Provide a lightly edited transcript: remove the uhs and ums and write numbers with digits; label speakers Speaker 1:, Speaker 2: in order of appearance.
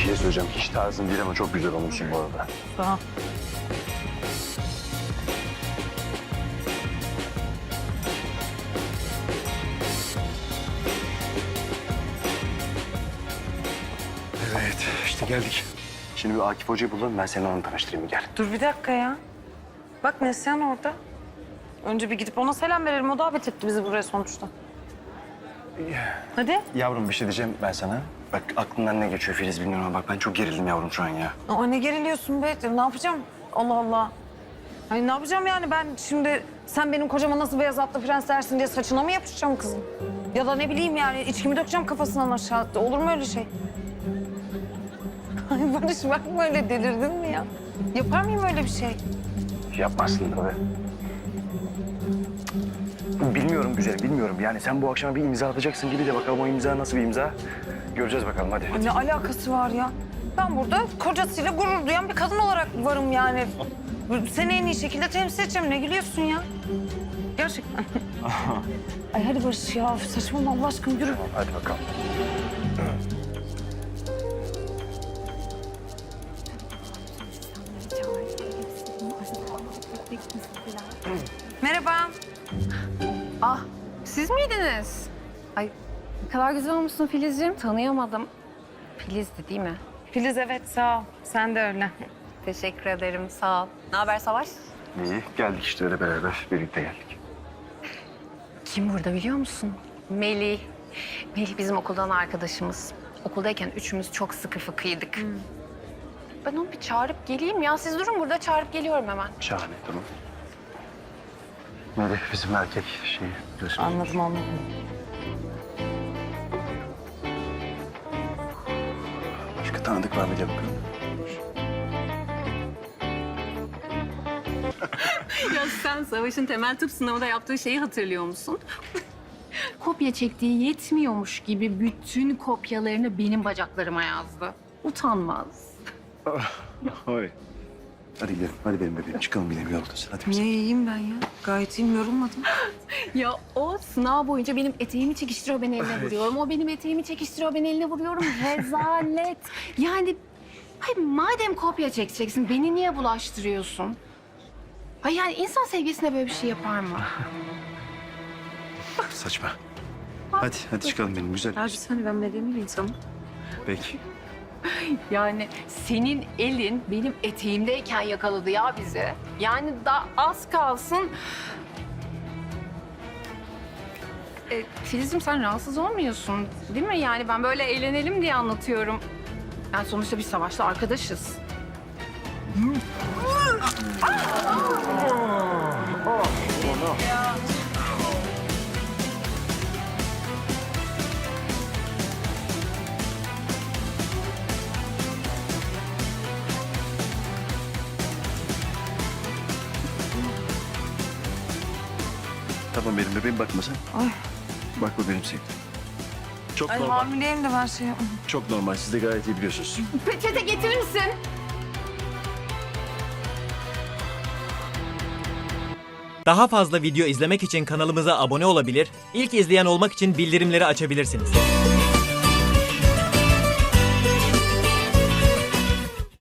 Speaker 1: şey söyleyeceğim. Hiç tarzın değil ama çok güzel olmuşsun bu arada.
Speaker 2: Tamam.
Speaker 1: Evet, işte geldik. Şimdi bir Akif Hoca'yı bulalım, ben seni onunla tanıştırayım, gel.
Speaker 2: Dur bir dakika ya. Bak Neslihan orada. Önce bir gidip ona selam verelim. O davet etti bizi buraya sonuçta. Hadi.
Speaker 1: Yavrum bir şey diyeceğim ben sana. Bak aklından ne geçiyor Filiz bilmiyorum ama bak ben çok gerildim yavrum şu an ya.
Speaker 2: Aa, ne geriliyorsun be? Ne yapacağım? Allah Allah. Hani ne yapacağım yani ben şimdi sen benim kocama nasıl beyaz atlı prens dersin diye saçına mı yapışacağım kızım? Ya da ne bileyim yani içkimi dökeceğim kafasından aşağı. Olur mu öyle şey? Ay Barış bakma öyle delirdin mi ya? Yapar mıyım öyle bir şey?
Speaker 1: Yapmazsın tabii. Bilmiyorum güzel, bilmiyorum. Yani sen bu akşam bir imza atacaksın gibi de bakalım o imza nasıl bir imza. Göreceğiz bakalım hadi.
Speaker 2: Ne alakası var ya? Ben burada kocasıyla gurur duyan bir kadın olarak varım yani. Seni en iyi şekilde temsil edeceğim. Ne gülüyorsun ya? Gerçekten. Ay hadi Barış ya saçmalama Allah aşkına yürü.
Speaker 1: Tamam, hadi bakalım.
Speaker 2: Merhaba.
Speaker 3: Ah, siz miydiniz? Ay, ne kadar güzel olmuşsun Filizciğim. Tanıyamadım. Filiz'di değil mi?
Speaker 2: Filiz evet sağ ol. Sen de öyle.
Speaker 3: Teşekkür ederim, sağ ol. Ne haber Savaş?
Speaker 1: İyi, geldik işte öyle beraber, birlikte geldik.
Speaker 3: Kim burada biliyor musun? Melih. Melih bizim okuldan arkadaşımız. Okuldayken üçümüz çok sıkı fıkıydık. Ben onu bir çağırıp geleyim ya. Siz durun burada, çağırıp geliyorum hemen.
Speaker 1: Şahane, tamam. Melih bizim erkek şeyi. biliyorsun.
Speaker 2: Anladım anladım.
Speaker 1: Başka tanıdık var mı diye bakalım.
Speaker 3: Ya sen Savaş'ın temel tıp sınavında yaptığı şeyi hatırlıyor musun? Kopya çektiği yetmiyormuş gibi bütün kopyalarını benim bacaklarıma yazdı. Utanmaz.
Speaker 1: Oy. Hadi gidelim, hadi benim bebeğim. Çıkalım gidelim yoldasın. Hadi biz.
Speaker 2: Niye iyiyim ben ya? Gayet iyiyim yorulmadım.
Speaker 3: Ya o sınav boyunca benim eteğimi çekiştiriyor, ben eline vuruyorum. O benim eteğimi çekiştiriyor, ben eline vuruyorum. Rezalet. Yani hayır, madem kopya çekeceksin, beni niye bulaştırıyorsun? Ay yani insan sevgilisine böyle bir şey yapar mı?
Speaker 1: Saçma. Hadi, hadi çıkalım benim güzel.
Speaker 2: Ya bir saniye ben medeni bir insanım.
Speaker 1: Peki.
Speaker 3: Yani senin elin benim eteğimdeyken yakaladı ya bizi. Yani daha az kalsın. Filiz'im sen rahatsız olmuyorsun değil mi? Yani ben böyle eğlenelim diye anlatıyorum. Yani sonuçta bir Savaş'la arkadaşız.
Speaker 1: Tamam benim bebeğim bakma sen.
Speaker 2: Ay.
Speaker 1: Bakma benim sevgilim. Çok
Speaker 2: Ay
Speaker 1: normal.
Speaker 2: hamileyim de ben şey...
Speaker 1: Çok normal. Siz de gayet iyi biliyorsunuz.
Speaker 3: Peçete getirir misin?
Speaker 4: Daha fazla video izlemek için kanalımıza abone olabilir, ilk izleyen olmak için bildirimleri açabilirsiniz.